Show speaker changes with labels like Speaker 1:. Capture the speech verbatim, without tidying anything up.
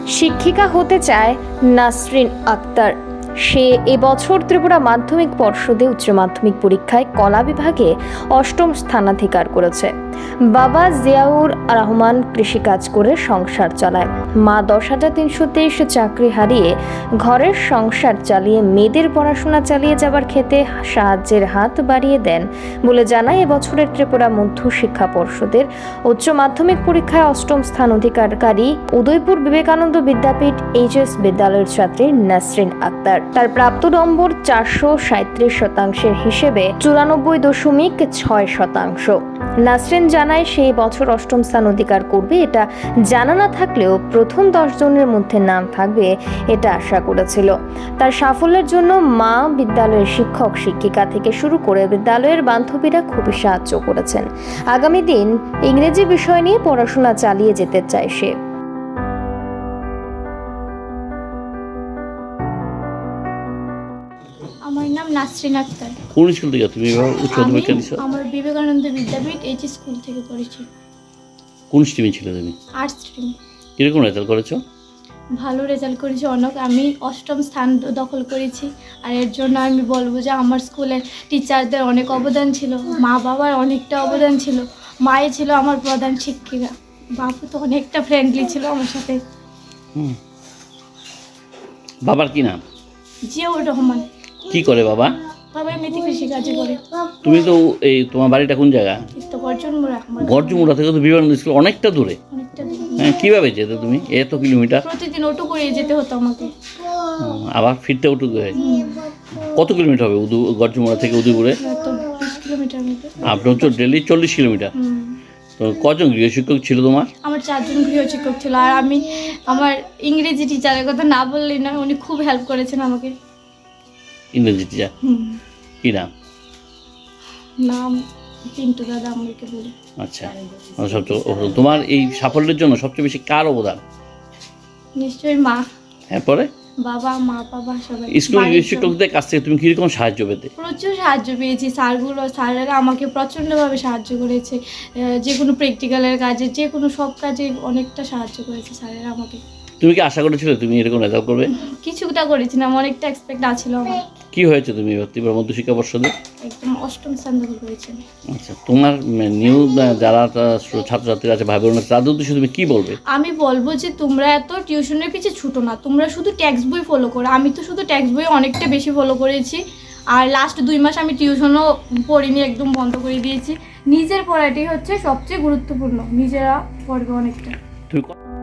Speaker 1: শিক্ষিকা হতে চায় নাসরিন আক্তার। সে এবছর ত্রিপুরা মাধ্যমিক পর্ষদে উচ্চ মাধ্যমিক পরীক্ষায় কলা বিভাগে অষ্টম স্থানাধিকার করেছে। বাবা জিয়াউর রহমান কৃষিকাজ করে সংসার চালায়। মা দশ হাজার তিনশো তেইশ চাকরি হারিয়ে ঘরের সংসার চালিয়ে মেয়েদের পড়াশোনা চালিয়ে যাবার ক্ষেত্রে সাহায্যের হাত বাড়িয়ে দেন বলে জানায় এবছরের ত্রিপুরা মধ্য শিক্ষা পর্ষদের উচ্চ মাধ্যমিক পরীক্ষায় অষ্টম স্থান অধিকারকারী উদয়পুর বিবেকানন্দ বিদ্যাপীঠ এইচএস বিদ্যালয়ের ছাত্রী নাসরিন আক্তার। তার প্রাপ্ত নম্বর চারশো সাঁত্রিশ শতাংশের হিসেবে চুরানব্বই দশমিক ছয় শতাংশ। নাসরিন জানায় সে বছর অষ্টম স্থান অধিকার করবে এটা জানা না থাকলেও প্রথম দশ জনের মধ্যে নাম থাকবে এটা আশা করেছিল। তার সাফল্যের জন্য মা, বিদ্যালয়ের শিক্ষক শিক্ষিকা থেকে শুরু করে বিদ্যালয়ের বান্ধবীরা খুবই সাহায্য করেছেন। আগামী দিন ইংরেজি বিষয় নিয়ে পড়াশোনা চালিয়ে যেতে চায় সে।
Speaker 2: আমার নাম নাসরিন আক্তার।
Speaker 3: কোন স্কুল থেকে তুমি উচ্চ মাধ্যমিক দিছো?
Speaker 2: আমার বিবেকানন্দ বিদ্যাপীঠ এইচ স্কুল থেকে পড়েছি।
Speaker 3: কোন স্ট্রিমে ছিলে তুমি?
Speaker 2: Arts stream.
Speaker 3: কিরকম রেজাল্ট করেছো?
Speaker 2: ভালো রেজাল্ট করেছি অনেক। আমি অষ্টম স্থান দখল করেছি। আর এর জন্য আমি বলবো যে আমার স্কুলের টিচারদের অনেক অবদান ছিল, মা বাবার অনেকটা অবদান ছিল। মায়ে ছিল আমার প্রধান শিক্ষিকা, বাবু তো অনেকটা ফ্রেন্ডলি ছিল আমার সাথে।
Speaker 3: হুম। বাবার কি নাম?
Speaker 2: জিয়াউর রহমান।
Speaker 3: কি করে বাবা?
Speaker 2: বাবা এমনিতে কৃষিকাজ করে।
Speaker 3: তুমি তো এই তোমার বাড়িটা কোন জায়গা?
Speaker 2: তো গর্জন মোড়া।
Speaker 3: গর্জমুড়া থেকে তো বিবেকানন্দ স্কুল অনেকটা দূরে।
Speaker 2: অনেকটা দূর।
Speaker 3: হ্যাঁ, কিভাবে যেতে তুমি এত কিলোমিটার?
Speaker 2: প্রতিদিন অটো করে যেতে হতো আমাকে।
Speaker 3: হুম, আবার ফিরতে উঠু কত কিলোমিটার হবে উদু গর্জমুড়া থেকে উদয়পুরে?
Speaker 2: তো বিশ কিলোমিটার মতো।
Speaker 3: আপনি হচ্ছে ডেলি চল্লিশ কিলোমিটার।
Speaker 2: হুম।
Speaker 3: তো কজন গৃহ শিক্ষক ছিল তোমার?
Speaker 2: আমার চারজন গৃহ শিক্ষক ছিল। আর আমি আমার ইংরেজি টিচারের কথা না বললেই না, উনি খুব হেল্প করেছেন আমাকে।
Speaker 3: ইংরেজি টিচার
Speaker 2: হুম।
Speaker 3: কি নাম?
Speaker 2: নাম পিন্টু দাদা আমাকে বলে।
Speaker 3: আচ্ছা, সবচেয়ে তোমার এই সাফল্যের জন্য সবচেয়ে বেশি কার অবদান?
Speaker 2: নিশ্চয়ই মা,
Speaker 3: এরপরে
Speaker 2: বাবা, মা বাবা সবাই।
Speaker 3: স্কুল
Speaker 2: বাড়ির সবাই।
Speaker 3: শিক্ষকদের কাছ থেকে তুমি কিরকম সাহায্য পেতে?
Speaker 2: প্রচুর সাহায্য পেয়েছি। স্যারগুলো স্যারেরা আমাকে প্রচণ্ডভাবে সাহায্য করেছে। আহ, যে কোনো প্র্যাকটিক্যালের কাজে, যে কোনো সব কাজে অনেকটা সাহায্য করেছে স্যারেরা আমাকে।
Speaker 3: তুমি কি আশা করেছিলে তুমি এরকম রেজাল্ট করবে?
Speaker 2: কিছুটা করেছিলাম, অনেকটা এক্সপেক্ট আছিল আমার।
Speaker 3: কি হয়েছে তুমি ত্রিপুরা মধ্য শিক্ষা পর্ষদে?
Speaker 2: একদম অষ্টম স্থান দখল করেছেন।
Speaker 3: আচ্ছা, তোমার নিউ যারা ছাত্রছাত্রীরা আছে, ভাই বোন আছে, তাদের উদ্দেশ্যে তুমি কি বলবে?
Speaker 2: আমি বলবো যে তোমরা এত টিউশনের পিছিয়ে ছুটো না, তোমরা শুধু টেক্সট বই ফলো করো। আমি তো শুধু টেক্সট বই অনেকটা বেশি ফলো করেছি। আর লাস্ট দুই মাস আমি টিউশনও পড়িনি, একদম বন্ধ করে দিয়েছি। নিজের পড়াটাই হচ্ছে সবচেয়ে গুরুত্বপূর্ণ, নিজেরা পড়বে অনেকটা।
Speaker 3: তুমি